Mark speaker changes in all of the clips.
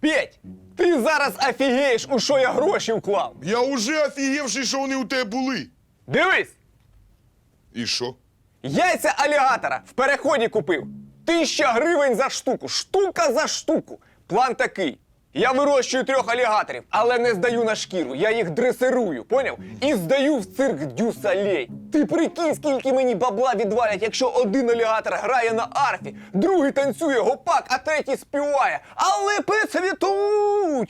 Speaker 1: Петь, ти зараз офігієш, у що я гроші вклав.
Speaker 2: Я уже офігівший, що вони у тебе були.
Speaker 1: Дивись,
Speaker 2: І що?
Speaker 1: яйця алігатора в переході купив. 1000 гривень за штуку. Штука за штуку. План такий. Я вирощую 3 алігаторів, але не здаю на шкіру. Я їх дресирую, поняв? І здаю в цирк Дю Солей. Ти прикинь, скільки мені бабла відвалять, якщо один алігатор грає на арфі, другий танцює гопак, а третій співає. Але посвятуть!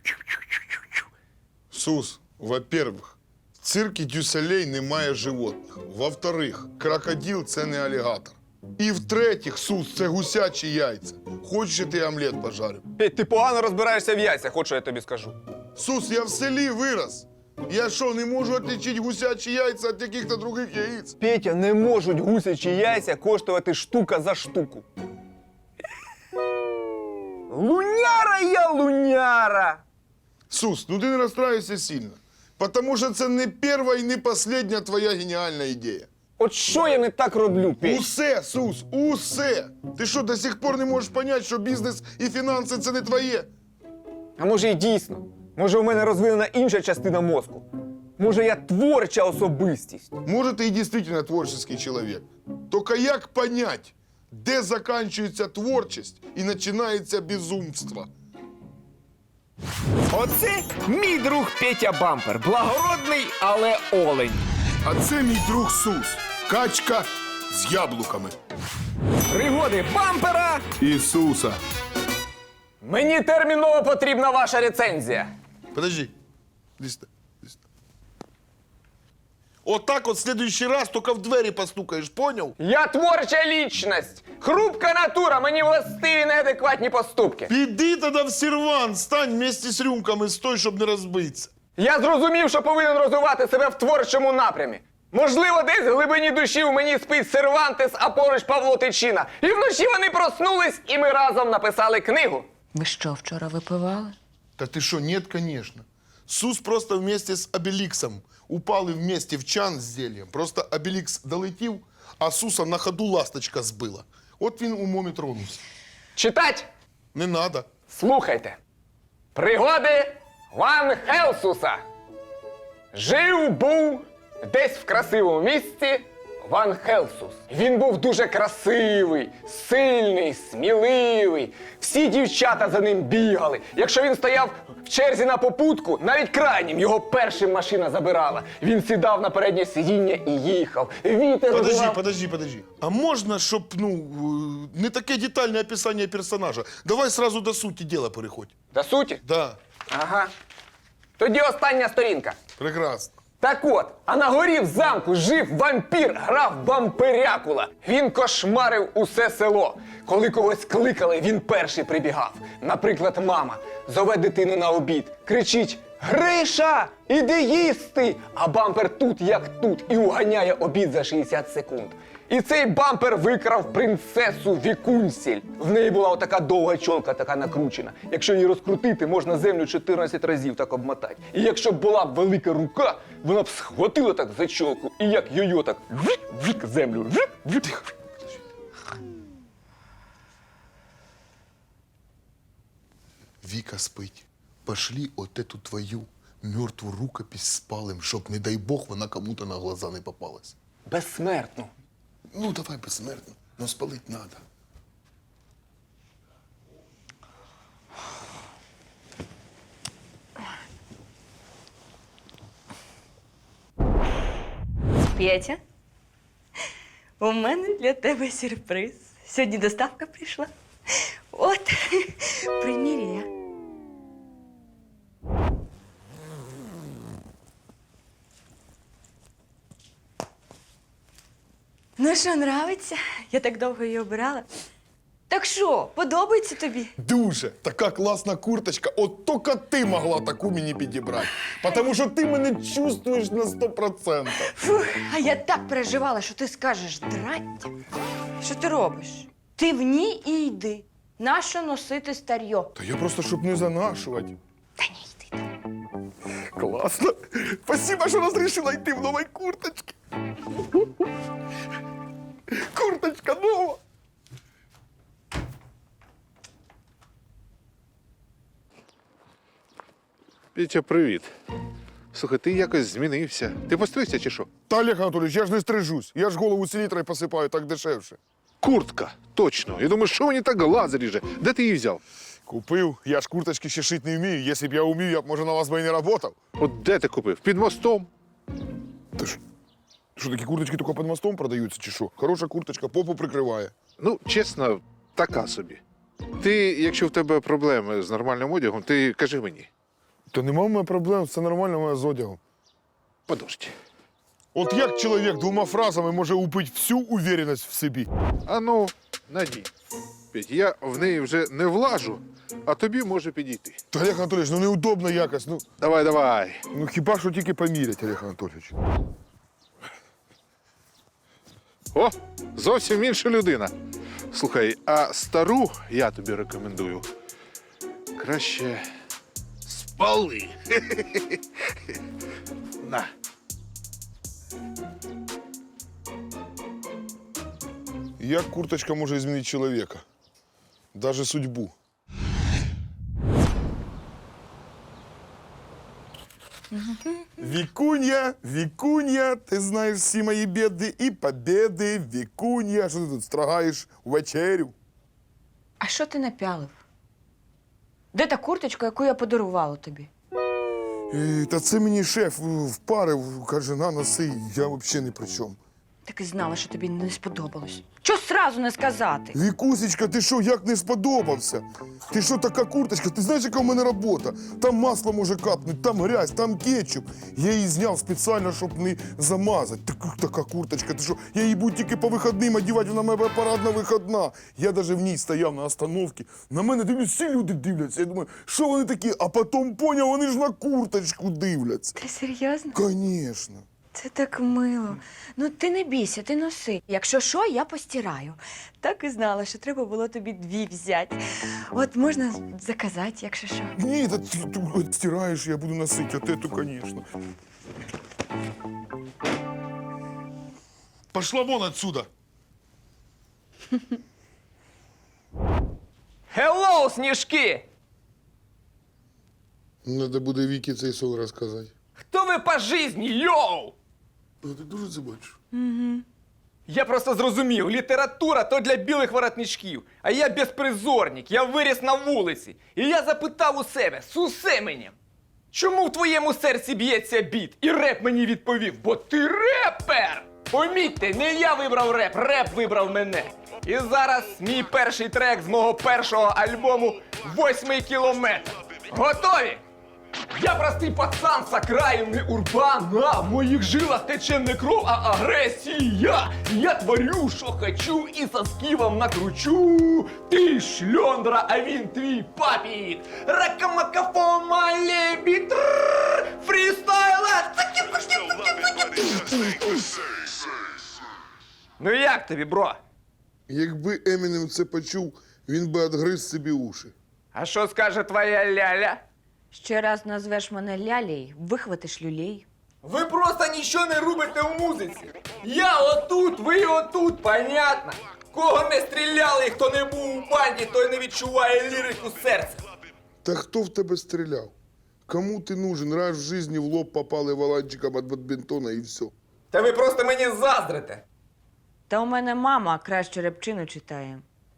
Speaker 2: Сус, во-первых, в циркі Дюсалей немає животних. Во-вторых, крокодил – це не алігатор. І в-третіх, Сус, це гусячі яйця. Хочеш, я ти омлет пожарю?
Speaker 1: Петь, ти погано розбираєшся в яйцях, от що я тобі скажу.
Speaker 2: Сус, я в селі вирос. Я що, не можу отличити гусячі яйця від яких-то других яєць?
Speaker 1: Петя, не можуть гусячі яйця коштувати штука за штуку. Луняра я луняра!
Speaker 2: Сус, ну ти не розстраюйся сильно. Потому що це не перша і не остання твоя геніальна ідея.
Speaker 1: От що я не так роблю, Петь?
Speaker 2: Усе, Сус, усе! Ти що, до сих пор не можеш зрозуміти, що бізнес і фінанси – це не твоє?
Speaker 1: А може і дійсно? Може у мене розвинена інша частина мозку? Може я творча особистість?
Speaker 2: Може, ти і дійсно творчий чоловік. Тільки як понять, де закінчується творчість і починається безумство?
Speaker 1: Оце мій друг Петя Бампер. Благородний, але олень.
Speaker 2: А це мій друг Сус. Качка з яблуками.
Speaker 1: Пригоди Бампера!
Speaker 2: Ісуса.
Speaker 1: Мені терміново потрібна ваша рецензія.
Speaker 2: Подожди. Иди сюда. Иди сюда. Вот так вот в следующий раз только в двери постукаешь, понял?
Speaker 1: Я творча лічність. Хрупка натура, мені властиві неадекватні поступки.
Speaker 2: Піди тоді в сервант, стань вместе з рюмками, стой, щоб не розбитися.
Speaker 1: Я зрозумів, що повинен розвивати себе в творчому напрямі. Можливо, десь в глибині душі у мені спить Сервантес, а поруч Павло Тичина. І вночі вони проснулись, і ми разом написали книгу.
Speaker 3: Ви що, вчора випивали?
Speaker 2: Та ти що, нет, конечно. Сус просто вместе з Обеліксом упали вместе в чан з зельем. Просто Обелікс долетів, а Суса на ходу ласточка збила. От він умом і тронувся.
Speaker 1: Читать?
Speaker 2: Не надо.
Speaker 1: Слухайте. Пригоди Ван Хелсуса. Жив-був десь в красивому місці Ван Хелсус. Він був дуже красивий, сильний, сміливий. Всі дівчата за ним бігали. Якщо він стояв в черзі на попутку, навіть крайнім його першим машина забирала. Він сідав на переднє сидіння і їхав. Вітер розвивав...
Speaker 2: Подожди. А можна, щоб, не таке детальне описання персонажа? Давай сразу до суті діла переходь.
Speaker 1: До суті?
Speaker 2: Да,
Speaker 1: Ага. Тоді остання сторінка.
Speaker 2: прекрасно.
Speaker 1: Так от, а на горі в замку жив вампір, граф Бамперякула. Він кошмарив усе село. Коли когось кликали, він перший прибігав. Наприклад, мама зове дитину на обід, кричить: «Гриша, іди їсти!» А Бампер тут як тут і уганяє обід за 60 секунд. І цей Бампер викрав принцесу Вікунсіль. В неї була отака довга чолка, така накручена. Якщо її розкрутити, можна землю 14 разів так обмотати. І якщо б була б велика рука, вона б схватила так за чолку і як йо-йо так вик землю. Вик.
Speaker 2: Віка спить. Пошли от эту твою мертву рукопись спалим, щоб, не дай Бог, вона кому-то на глаза не попалась.
Speaker 1: Безсмертно.
Speaker 2: Ну, давай безсмертно, но спалить надо.
Speaker 3: Петя, у мене для тебе сюрприз. Сьогодні доставка прийшла. От, приміряй. Ну що, нравиться? Я так довго її обирала. Так що, подобається тобі?
Speaker 2: Дуже. Така класна курточка. От тільки ти могла таку мені підібрати. Тому що ти мене чувствуєш на 100%.
Speaker 3: Фух, а я так переживала, що ти скажеш драття. Що ти робиш? Ти в ній і йди. Нащо носити старьо?
Speaker 2: Та я просто, щоб не занашувати.
Speaker 3: Та ні, йди там.
Speaker 2: Класно. Спасибо, що розрішила йти в новій курточці. Курточка нова.
Speaker 4: Петя, привіт. Слухай, ти якось змінився. Ти постригся чи що?
Speaker 2: Та, Олег Анатолійович, я ж не стрижусь. Я ж голову селітрою посипаю, так дешевше.
Speaker 4: Куртка, точно. Я думаю, що мені так глаз ріже? Де ти її взяв?
Speaker 2: Купив, я ж курточки ще шити не вмію. Якщо б я вмів, я б, може, на вас би і не працював.
Speaker 4: От де ти купив? Під мостом?
Speaker 2: Та ж, що, такі курточки тільки під мостом продаються, чи що? Хороша курточка, попу прикриває.
Speaker 4: Ну, чесно, така собі. Ти, якщо в тебе проблеми з нормальним одягом, ти кажи мені.
Speaker 2: Та нема в мене проблем, все нормально в мене з одягом.
Speaker 4: Подожди.
Speaker 2: От як чоловік двома фразами може убити всю уверенность в собі?
Speaker 4: А ну, надій. Петь, я в неї вже не влажу, а тобі може підійти.
Speaker 2: Та, Олег Анатолійович, ну неудобно якось.
Speaker 4: Давай, давай.
Speaker 2: Ну хіба що тільки помірять, Олег Анатолійович.
Speaker 4: О, зовсім інша людина. Слухай, а стару я тобі рекомендую. Краще спали. На.
Speaker 2: Як курточка може змінити чоловіка? Даже судьбу. Викунья, Викунья, ти знаєш всі мої біди і побіди. Викунья, що ти тут страгаєш вечерю?
Speaker 3: А що ти напялив? Де та курточка, яку я подарувала тобі?
Speaker 2: Та це мені шеф впарив, каже, на носи, я взагалі ні при чому.
Speaker 3: Так і знала, що тобі не сподобалось. Чого сразу не сказати?
Speaker 2: Вікусечка, ти що, як не сподобався? Ти що, така курточка? Ти знаєш, яка в мене робота? Там масло може капнути, там грязь, там кетчуп. Я її зняв спеціально, щоб не замазати. Така курточка, ти що? Я її буду тільки по вихідним одягати, вона моя парадна вихідна. Я навіть в ній стояв на остановці. На мене дивлюсь, всі люди дивляться. Я думаю, що вони такі? А потім поняв, вони ж на курточку дивляться.
Speaker 3: Ти серйозно?
Speaker 2: Звісно.
Speaker 3: Це так мило. Ну ти не бійся, ти носи. Якщо що, я постираю. Так і знала, що треба було тобі 2 взяти. От можна заказати, якщо що.
Speaker 2: Ні, та ти стираєш, я буду носити, от эту, звісно. Пошла вон отсюда.
Speaker 1: Хеллоу, сніжки!
Speaker 2: Надо буде Вікі цей сон розказати.
Speaker 1: Хто ви по житті, йоу?
Speaker 2: А ти дуже це бачиш?
Speaker 1: Я просто зрозумів, література то для білих воротничків, а я безпризорник, я виріс на вулиці. І я запитав у себе з усеменем, чому в твоєму серці б'ється біт? І реп мені відповів, бо ти репер! Помітьте, не я вибрав реп, реп вибрав мене. І зараз мій перший трек з мого першого альбому «8-й кілометр». Готові? Я простий пацан з окраїни Урбана. В моїх жилах тече не кров, а агресія. Я творю, що хочу, і соски вам накручу. Ти шльондра, а він твій папік. Ракамакафома лебід. Фрістайла. Ну як тобі, бро?
Speaker 2: Якби Емінем це почув, він би відгриз собі уші.
Speaker 1: А що скаже твоя ляля?
Speaker 3: Ще раз назвеш мене лялей, вихватиш люлей.
Speaker 1: Ви просто нічого не робите в музиці. Я отут, ви отут, понятно? Кого не стріляли і хто не був у банді, той не відчуває лірику серця.
Speaker 2: Та хто в тебе стріляв? Кому ти нужен? Раз в житті в лоб попали валанчиком від бадмінтона і все.
Speaker 1: Та ви просто мені заздрите.
Speaker 3: Та у мене мама краще репчину читає.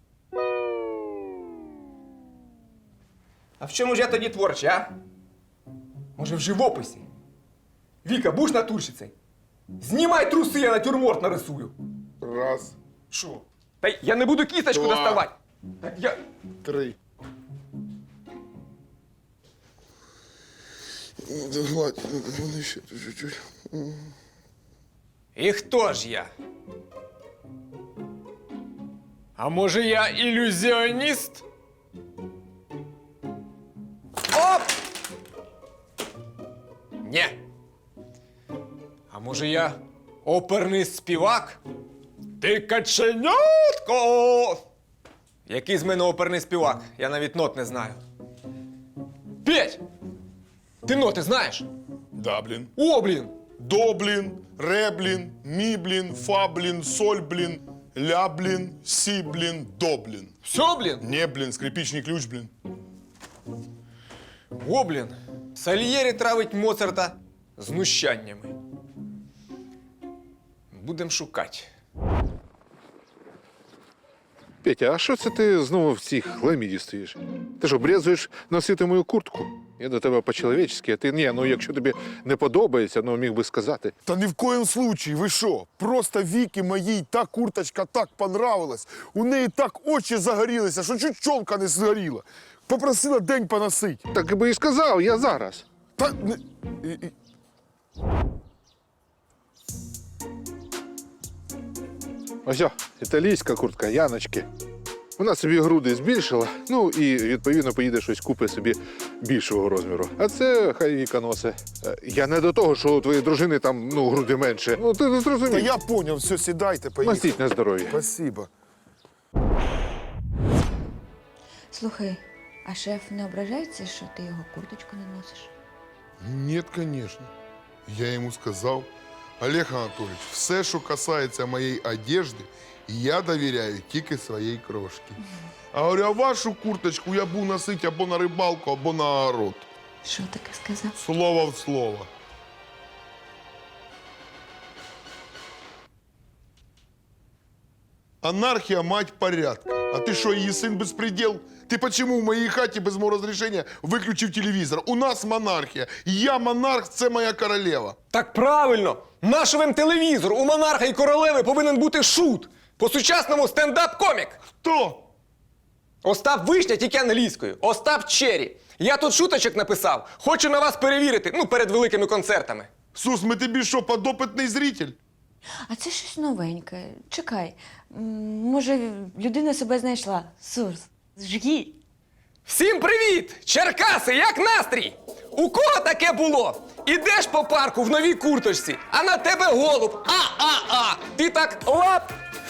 Speaker 1: А в чому ж я тоді творчий, а? Може, в живописі? Віка, будеш натурщицей? Знімай труси, я натюрморт нарисую.
Speaker 2: Раз,
Speaker 1: Що? Та я не буду кісточку
Speaker 2: Два.
Speaker 1: доставати. Так я...
Speaker 2: 3. Гладь, вони ще чуть-чуть.
Speaker 1: І хто ж я? А може я ілюзіоніст? Оп! Ні. А може я оперний співак? Ти каченятко! Який з мене оперний співак? Я навіть нот не знаю. Петь! Ти ноти знаєш?
Speaker 2: Да, блін.
Speaker 1: О, блін!
Speaker 2: До, блін, ре, блін, мі, блін, фа, блін, соль, блін, ля, блін, сі, блін, до, блін.
Speaker 1: Все, блін?
Speaker 2: Не, блін, скрипічний ключ, блін.
Speaker 1: О, блін! Сальєрі травить Моцарта знущаннями. Будем шукати.
Speaker 4: Петя, а що це ти знову в цій хламіді стоїш? Ти що, брезуєш носити мою куртку? Я до тебе по-чоловічськи, а ти ні, ну якщо тобі не подобається, ну міг би сказати.
Speaker 2: Та ні в коєму случаї, ви що? Просто Вікі моїй та курточка так понравилась, у неї так очі загорілися, що чуть чолка не згоріла. Попросила день поносить.
Speaker 4: Так би і сказав, я зараз.
Speaker 2: Та...
Speaker 4: Ось, італійська куртка Яночки. Вона собі груди збільшила, ну і відповідно поїде щось купить собі більшого розміру. А це хай Віка носить. Я не до того, що у твоєї дружини там ну, груди менше. Ну ти не
Speaker 2: Та
Speaker 4: зрозумів.
Speaker 2: я поняв, все, сідайте, поїхали.
Speaker 4: Мастіть на здоров'я.
Speaker 2: Спасибо.
Speaker 3: Слухай, а шеф не ображається, що ти його курточку не носиш?
Speaker 2: Нет, конечно. Я йому сказав, Олег Анатолійович, все, що касається моєї одежди, я довіряю тільки своїй крошці. А говорю, а вашу курточку я буду носити або на рибалку, або на огород.
Speaker 3: Що таке сказав?
Speaker 2: Слово в слово. Анархия, мать порядка. А ты что, її син беспредел? Ты почему в моей хате без моего разрешения выключив телевизор? У нас монархия. Я монарх, це моя королева.
Speaker 1: Так правильно! Нашовим телевізор у монарха і королеви повинен бути шут. По-сучасному стендап-комік.
Speaker 2: Хто?
Speaker 1: Остап Вишня тільки англійською. Остап Черрі. Я тут шуточок написав. Хочу на вас перевірити, ну, перед великими концертами.
Speaker 2: Сус, ми тобі що, подопитний зритель?
Speaker 3: А це щось новеньке. Чекай, може, людина себе знайшла. Сурс, жги.
Speaker 1: Всім привіт! Черкаси, як настрій? У кого таке було? Ідеш по парку в новій курточці, а на тебе голуб. А-а-а! Ти так лап.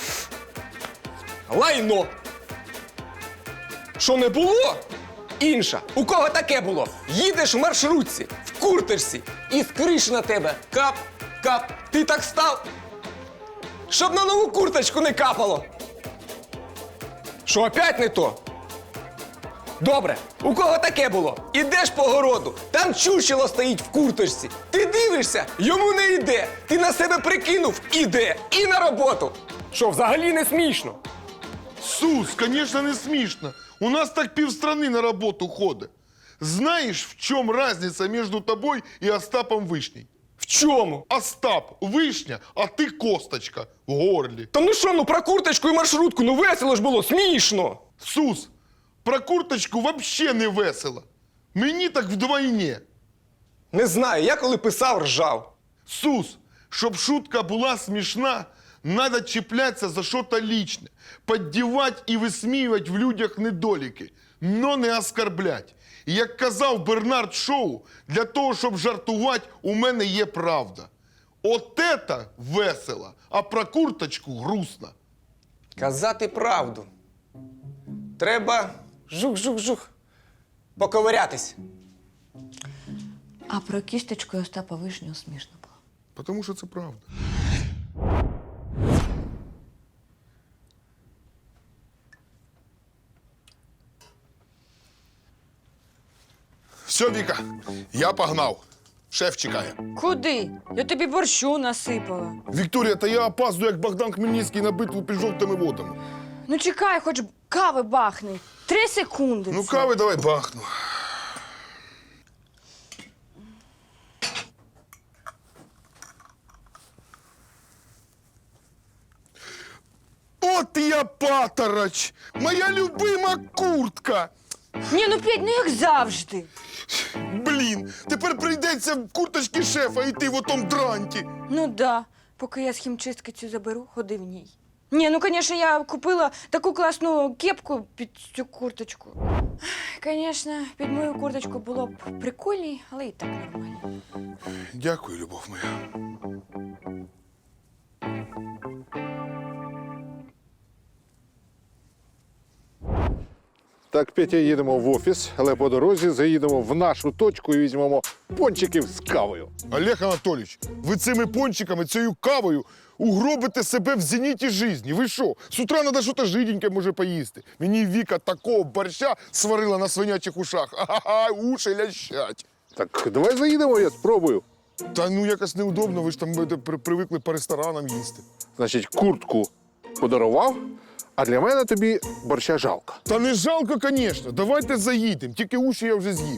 Speaker 1: Лайно. Що не було? Інша. У кого таке було? Їдеш в маршрутці, в курточці, і з криші на тебе кап, кап. Ти так став, щоб на нову курточку не капало. Що, опять не то? Добре, у кого таке було? Ідеш по городу, там чучело стоїть в курточці. Ти дивишся, йому не йде. Ти на себе прикинув, іде. І на роботу. Що, взагалі не смішно?
Speaker 2: Сус, конечно, не смішно. У нас так півстрани на роботу ходить. Знаєш, в чому різниця між тобою і Остапом Вишней?
Speaker 1: В чому?
Speaker 2: Остап – вишня, а ти косточка в горлі.
Speaker 1: Та ну що, ну про курточку і маршрутку, ну весело ж було, смішно.
Speaker 2: Сус, про курточку вообще не весело. Мені так вдвойне.
Speaker 1: Не знаю, я коли писав, ржав.
Speaker 2: Сус, щоб шутка була смішна, надо чіплятися за щось личне, піддівати і висміювати в людях недоліки, но не оскорблять. І як казав Бернард Шоу, для того, щоб жартувати, у мене є правда. От это весело, а про курточку грустно.
Speaker 1: Казати правду. Треба жух-жух-жух. Поковирятись.
Speaker 3: А про кісточку Остапа Вишню смішно було.
Speaker 2: Потому що це правда. Все, Віка, я погнав. Шеф чекає.
Speaker 3: Куди? Я тобі борщу насипала.
Speaker 2: Вікторія, та я опаздую, як Богдан Хмельницький на битву під жовтими водами.
Speaker 3: Ну чекай, хоч кави бахни. 3 секунди.
Speaker 2: Ну,
Speaker 3: це.
Speaker 2: кави давай бахну. От я патороч! Моя любима куртка!
Speaker 3: Ні, ну Петь, ну як завжди.
Speaker 2: Блін, тепер прийдеться в курточки шефа йти в отом дранті.
Speaker 3: Ну да, поки я з хімчистки цю заберу, ходи в ній. Ні, ну, звісно, я купила таку класну кепку під цю курточку. Звісно, під мою курточку було б прикольній, але і так нормально.
Speaker 2: Дякую, любов моя.
Speaker 4: Так, Петя, їдемо в офіс, але по дорозі заїдемо в нашу точку і візьмемо пончиків з кавою.
Speaker 2: Олег Анатолійович, ви цими пончиками, цією кавою угробите себе в зеніті житті. Ви що? З утра треба щось жиденьке може поїсти. Мені Віка такого борща сварила на свинячих ушах. Ага, уші лящать.
Speaker 4: Так давай заїдемо, я спробую.
Speaker 2: Та ну якось неудобно, ви ж там привикли по ресторанам їсти.
Speaker 4: Значить, куртку подарував, а для мене тобі борща жалко.
Speaker 2: Та не жалко, звісно. Давайте заїдемо, тільки уші я вже з'їв.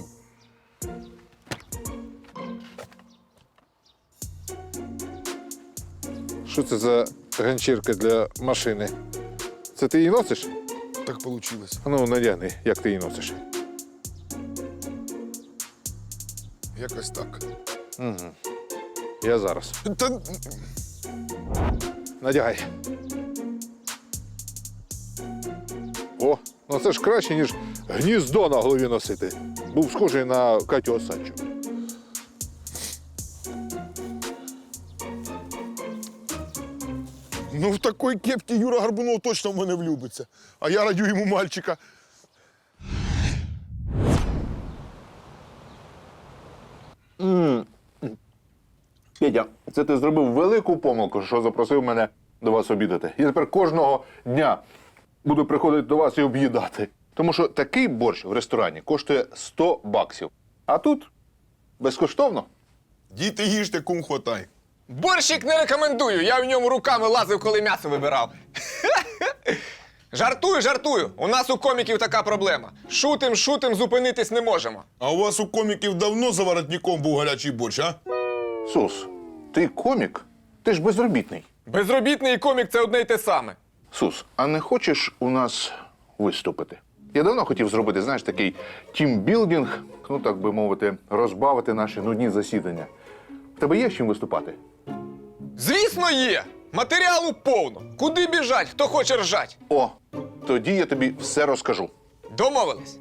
Speaker 4: Що це за ганчірка для машини? Це ти її носиш?
Speaker 2: Так вийшло.
Speaker 4: А ну, надягни, як ти її носиш.
Speaker 2: Якось так.
Speaker 4: Я зараз.
Speaker 2: Та
Speaker 4: Надягай. О, ну це ж краще, ніж гніздо на голові носити. Був схожий на Катю Осадчу.
Speaker 2: ну в такій кепці Юра Горбунов точно в мене влюбиться. А я радю йому мальчика.
Speaker 4: Петя, це ти зробив велику помилку, що запросив мене до вас обідати. Я тепер кожного дня буду приходити до вас і об'їдати. Тому що такий борщ в ресторані коштує 100 баксів. А тут безкоштовно.
Speaker 2: Діти їжте, кум хватай.
Speaker 1: Борщик не рекомендую, я в ньому руками лазив, коли м'ясо вибирав. Жартую, жартую. У нас у коміків така проблема. Шутим, зупинитись не можемо.
Speaker 2: А у вас у коміків давно за воротником був гарячий борщ, а?
Speaker 4: Сус, ти комік? Ти ж безробітний.
Speaker 1: Безробітний і комік – це одне й те саме.
Speaker 4: Сус, а не хочеш у нас виступити? Я давно хотів зробити, знаєш, такий тімбілдинг, ну так би мовити, розбавити наші нудні засідання. В тебе є з чим виступати?
Speaker 1: Звісно, є. Матеріалу повно. Куди біжать, хто хоче ржать?
Speaker 4: О, тоді я тобі все розкажу.
Speaker 1: Домовились.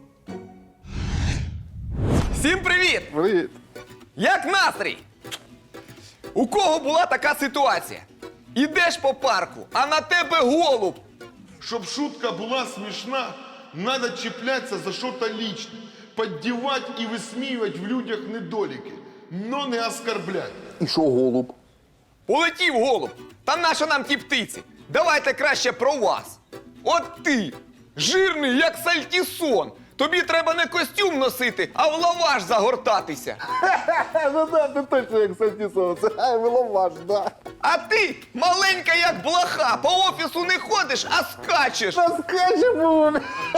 Speaker 1: Всім привіт!
Speaker 4: Привіт.
Speaker 1: Як настрій? У кого була така ситуація? Ідеш по парку, а на тебе голуб.
Speaker 2: Щоб шутка була смішна, надо чіплятися за щось личне, піддівати і висміювати в людях недоліки, но не оскорблять.
Speaker 4: І що, голуб?
Speaker 1: Полетів голуб. Та нащо нам ті птиці? Давайте краще про вас. От ти, жирний, як сальтісон. Тобі треба не костюм носити, а в лаваш загортатися.
Speaker 4: Ну да, ти точно як Сантісов. Це виловаш, да.
Speaker 1: А ти маленька, як блоха, по офісу не ходиш, а скачеш.
Speaker 4: Скажемо.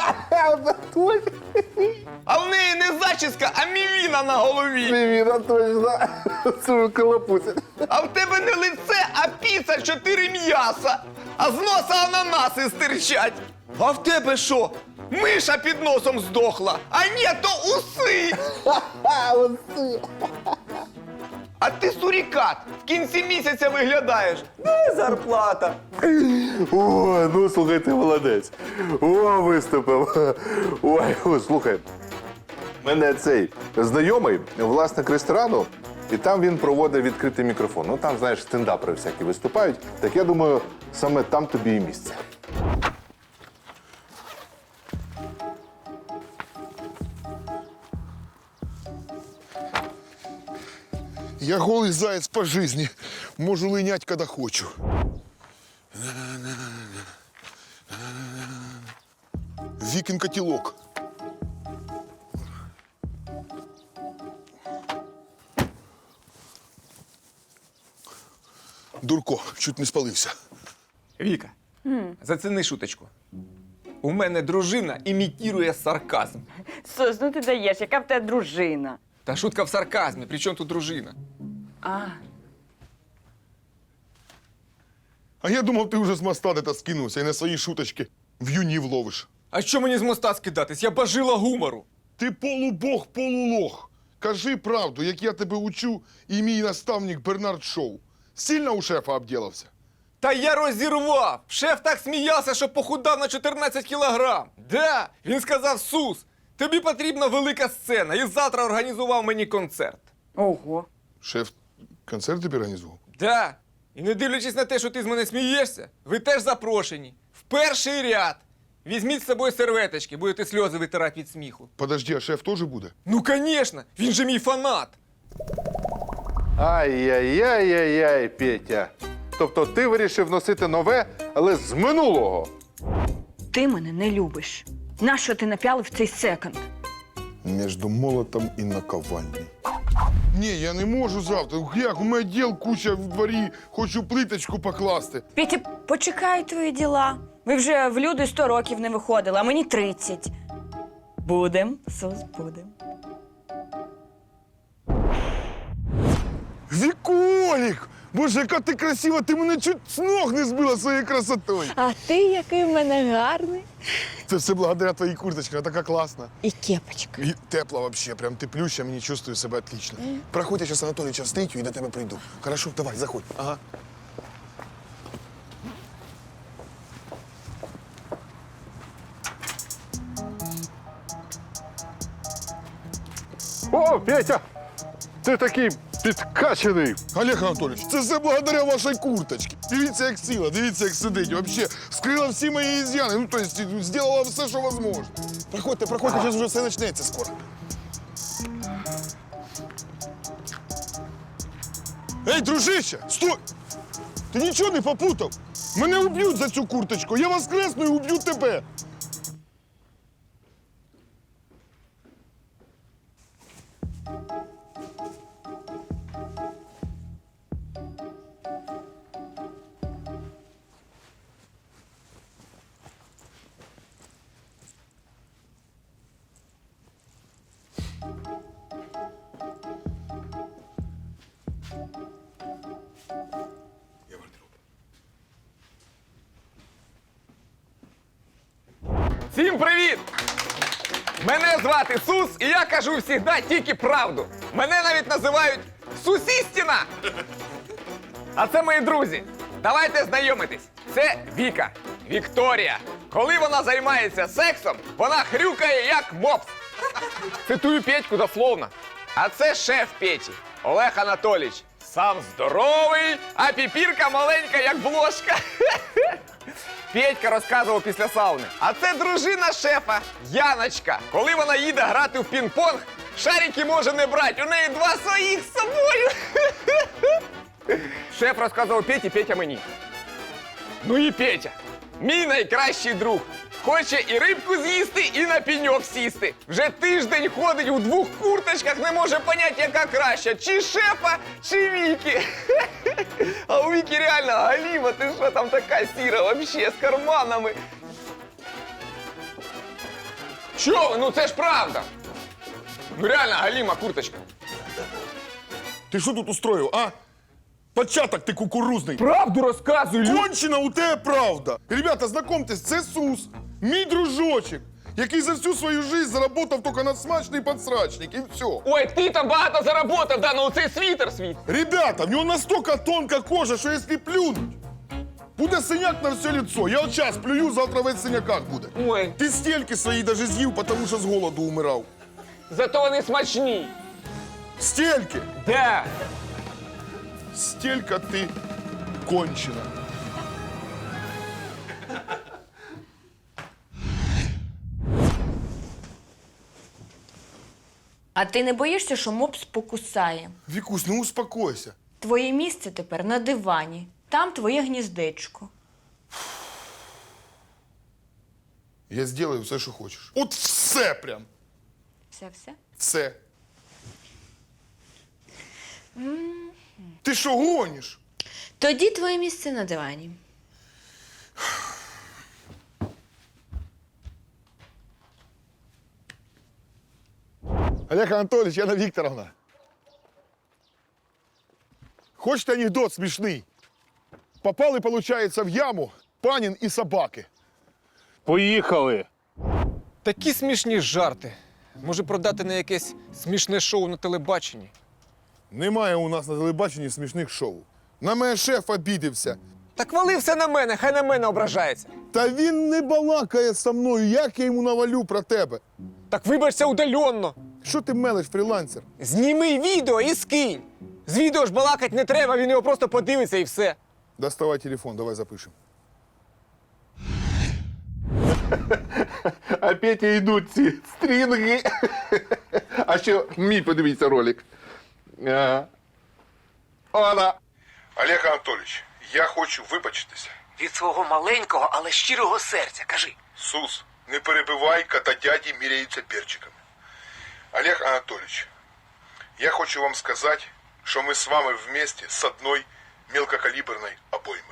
Speaker 1: А в неї не зачіска, а мівіна на голові.
Speaker 4: Привіт, точно. Це колопуся.
Speaker 1: А в тебе не лице, а піца 4 м'яса. А з носа ананаси стирчать. А в тебе що? Миша під носом здохла. А ні, то уси. А ти сурікат. В кінці місяця виглядаєш. Де зарплата?
Speaker 4: О, ну слухай, ти молодець. О, виступив. Ой, о, слухай. Мене цей знайомий, власник ресторану, і там він проводить відкритий мікрофон. Ну там, знаєш, стендапери всякі виступають. Так я думаю, саме там тобі і місце.
Speaker 2: Я голый заяц по жизни. Можу линять, когда хочу. Викин котелок. Дурко, чуть не спалився.
Speaker 1: Віка, заціни шуточку. У мене дружина імітує сарказм.
Speaker 5: Сос, ну ти даєш, яка в тебе дружина?
Speaker 1: Та шутка в сарказмі, при чому тут дружина?
Speaker 5: А,
Speaker 2: А я думав, ти вже з моста де-то скинувся і на свої шуточки в юні вловиш.
Speaker 1: А що мені з моста скидатись? Я бажила гумору.
Speaker 2: Ти полубог, полулох. Кажи правду, як я тебе учу, і мій наставник Бернард Шоу. Сильно у шефа обділився?
Speaker 1: Та я розірвав! Шеф так сміявся, що похудав на 14 кілограм. Да, він сказав: Сус, тобі потрібна велика сцена, і завтра організував мені концерт.
Speaker 5: ого.
Speaker 2: Шеф концерт тобі організував?
Speaker 1: Да. І не дивлячись на те, що ти з мене смієшся, ви теж запрошені. В перший ряд. Візьміть з собою серветочки, будете сльози витирати від сміху.
Speaker 2: Подожди, а шеф теж буде?
Speaker 1: Ну, звісно, він же мій фанат.
Speaker 4: Ай-яй-яй-яй-яй, Петя. Тобто ти вирішив носити нове, але з минулого.
Speaker 3: Ти мене не любиш. Нащо ти напялив цей секонд?
Speaker 2: Між молотом і наковальней. Ні, я не можу завтра. Як? У мене діл куча в дворі, хочу плиточку покласти.
Speaker 3: Петя, почекай твої діла. Ви вже в люди 100 років не виходили, а мені 30. Будем, Сус, будем.
Speaker 2: Віколік! Боже, яка ти красива, ти мене чуть з ног не збила своєю красотою.
Speaker 3: А ти який в мене гарний.
Speaker 2: Це все благодаря твоїй курточці, вона така класна.
Speaker 3: І кепочка.
Speaker 2: І тепла вообще, прям теплюща, мені чувствую себе отлично. Проходь, я зараз Анатолійовича встречу і до тебе прийду. Хорошо, давай, заходь. Ага.
Speaker 4: О, Петя! Ти такий підкачаний.
Speaker 2: Олег Анатолійович, це все благодаря вашій курточці. Дивіться, як сіла, дивіться, як сидить. Вообще, скрила всі мої ізяни. Ну, то есть, зробила все, що можливо. Проходьте, зараз вже все почнеться скоро. Ей, дружище, стой! Ти нічого не попутав? Мене уб'ють за цю курточку. Я воскресну і уб'ю тебе.
Speaker 1: Всім привіт! Мене звати Сус, і я кажу завжди тільки правду. Мене навіть називають Сусістіна. А це мої друзі. Давайте знайомитись. Це Віка, Вікторія. Коли вона займається сексом, вона хрюкає як мопс. Цитую Петьку дословно. А це шеф Петі, Олег Анатолійович. Сам здоровий, а піпірка маленька, як блошка. Петька розказував після сауни. А це дружина шефа, Яночка. Коли вона їде грати в пінг-понг, шарики може не брати, у неї 2 своїх з собою. Шеф розказував Петі, Петя мені. Ну і Петя, мій найкращий друг. Хоче і рибку з'їсти, і на пеньок сісти. Вже тиждень ходить у 2 курточках, не може поняти, яка краща. Чи шефа, чи Віки. А у Віки реально галіма, ти що там така сіра вообще, з карманами. Чо ви? Ну це ж правда. Ну реально галіма курточка.
Speaker 2: Ти що тут устроїв, а? Початок ти кукурузний.
Speaker 1: Правду розказуй,
Speaker 2: Кончена у тебе правда. Ребята, знакомтесь, це Сус, мій дружочок, який за всю свою жизнь заработав тільки на смачний подсрачник, і все.
Speaker 1: Ой, ти там багато заработав, да, ну цей світер світ.
Speaker 2: Ребята, в нього настільки тонка кожа, що якщо плюнуть, буде синяк на все лицо. Я от час плюю, завтра весь в синяках буде.
Speaker 1: Ой,
Speaker 2: Ти стільки свої даже з'їв, тому що з голоду умирав.
Speaker 1: зато вони смачні.
Speaker 2: Стільки!
Speaker 1: Де?
Speaker 2: Стільки ти кончена.
Speaker 3: А ти не боїшся, що мопс покусає?
Speaker 2: Вікусь, ну успокойся.
Speaker 3: Твоє місце тепер на дивані. Там твоє гніздечко.
Speaker 2: Я зроблю все, що хочеш. От все прям.
Speaker 3: Все-все?
Speaker 2: Все. Ти що гониш?
Speaker 3: Тоді твоє місце на дивані.
Speaker 2: Олег Анатольевич, Яна Вікторовна. Хочете анекдот смішний? Попали, получается, в яму панін і собаки.
Speaker 4: Поїхали.
Speaker 1: Такі смішні жарти. Може продати на якесь смішне шоу на телебаченні.
Speaker 2: Немає у нас на телебаченні смішних шоу. На мене шеф обідився.
Speaker 1: Так вали все на мене, хай на мене ображається.
Speaker 2: Та він не балакає со мною, як я йому навалю про тебе.
Speaker 1: Так вибачся удаленно.
Speaker 2: Що ти мелиш, фрілансер?
Speaker 1: Зніми відео і скинь. З відео ж балакать не треба, він його просто подивиться і все.
Speaker 2: Доставай телефон, давай запишемо.
Speaker 4: А Петя йдуть ці стрінги. А ще мій, подивіться, ролик. Ага. Ола.
Speaker 2: Олег Анатольевич, я хочу вибачитися.
Speaker 1: Від свого маленького, але щирого серця, кажи.
Speaker 2: Сус, не перебивай, кота дяді міряються перчиками. Олег Анатольевич, Я хочу вам сказать, что мы с вами вместе с одной мелкокалиберной обоймой.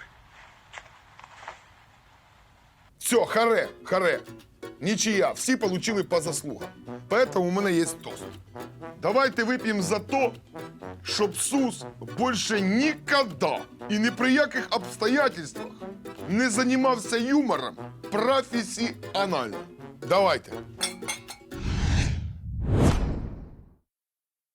Speaker 2: Все, харе. Ничья, всі получили по заслугам. Поэтому у мене є тост. Давайте вип'ємо за то, щоб Сус більше ніколи і ні при яких обстоятельствах не займався юмором професіонально. Давайте.